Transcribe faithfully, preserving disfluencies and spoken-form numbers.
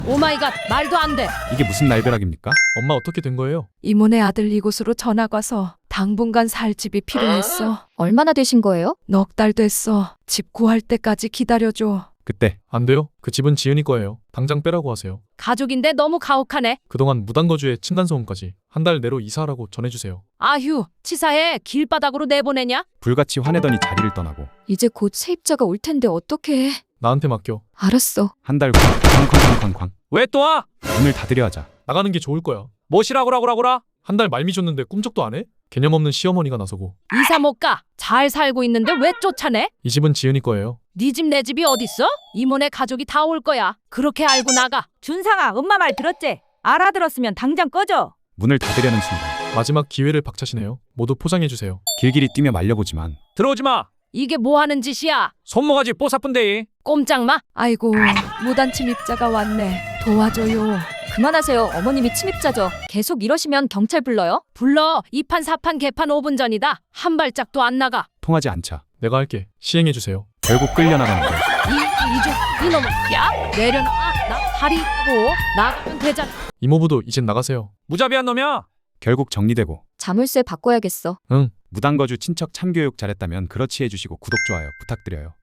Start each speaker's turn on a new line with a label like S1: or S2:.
S1: 오마이갓, 말도 안 돼.
S2: 이게 무슨 날벼락입니까?
S3: 엄마 어떻게 된 거예요?
S4: 이모네 아들 이곳으로 전학 와서 당분간 살 집이 필요했어.
S5: 얼마나 되신 거예요?
S4: 넉 달 됐어. 집 구할 때까지 기다려줘.
S2: 그때
S3: 안 돼요. 그 집은 지은이 거예요. 당장 빼라고 하세요.
S1: 가족인데 너무 가혹하네.
S3: 그동안 무단거주에 층간소음까지 한 달 내로 이사하라고 전해주세요.
S1: 아휴, 치사해. 길바닥으로 내보내냐?
S2: 불같이 화내더니 자리를 떠나고
S5: 이제 곧 세입자가 올 텐데 어떡해.
S3: 나한테 맡겨.
S5: 알았어.
S2: 한 달 후 쾅쾅쾅쾅쾅
S6: 왜 또 와?
S2: 문을 닫으려 하자
S3: 나가는 게 좋을 거야.
S6: 뭐시라고라고라고라?
S3: 한 달 말미 줬는데 꿈쩍도 안 해? 개념 없는 시어머니가 나서고.
S1: 이사 못 가. 잘 살고 있는데 왜 쫓아내?
S3: 이 집은 지은이 거예요.
S1: 네 집 내 집이 어딨어? 이모네 가족이 다 올 거야. 그렇게 알고 나가.
S7: 준상아, 엄마 말 들었지? 알아들었으면 당장 꺼져.
S2: 문을 닫으려는 순간
S3: 마지막 기회를 박차시네요. 모두 포장해주세요.
S2: 길길이 뛰며 말려보지만
S6: 들어오지 마.
S1: 이게 뭐 하는 짓이야?
S6: 손모가지 뽀사쁜데.
S1: 꼼짝마.
S4: 아이고, 무단 침입자가 왔네. 도와줘요.
S5: 그만하세요. 어머님이 침입자죠. 계속 이러시면 경찰 불러요.
S1: 불러. 이판 사판 개판 오 분 전이다. 한 발짝도 안 나가.
S2: 통하지 않자
S3: 내가 할게. 시행해주세요.
S2: 결국 끌려나가는데
S1: 이, 이주, 이놈. 야, 내려놔. 나 살이 있고. 나가면 되잖아.
S3: 이모부도 이젠 나가세요.
S6: 무자비한 놈이야.
S2: 결국 정리되고
S5: 자물쇠 바꿔야겠어.
S3: 응.
S2: 무단거주 친척 참교육 잘했다면 그렇지 해주시고 구독 좋아요 부탁드려요.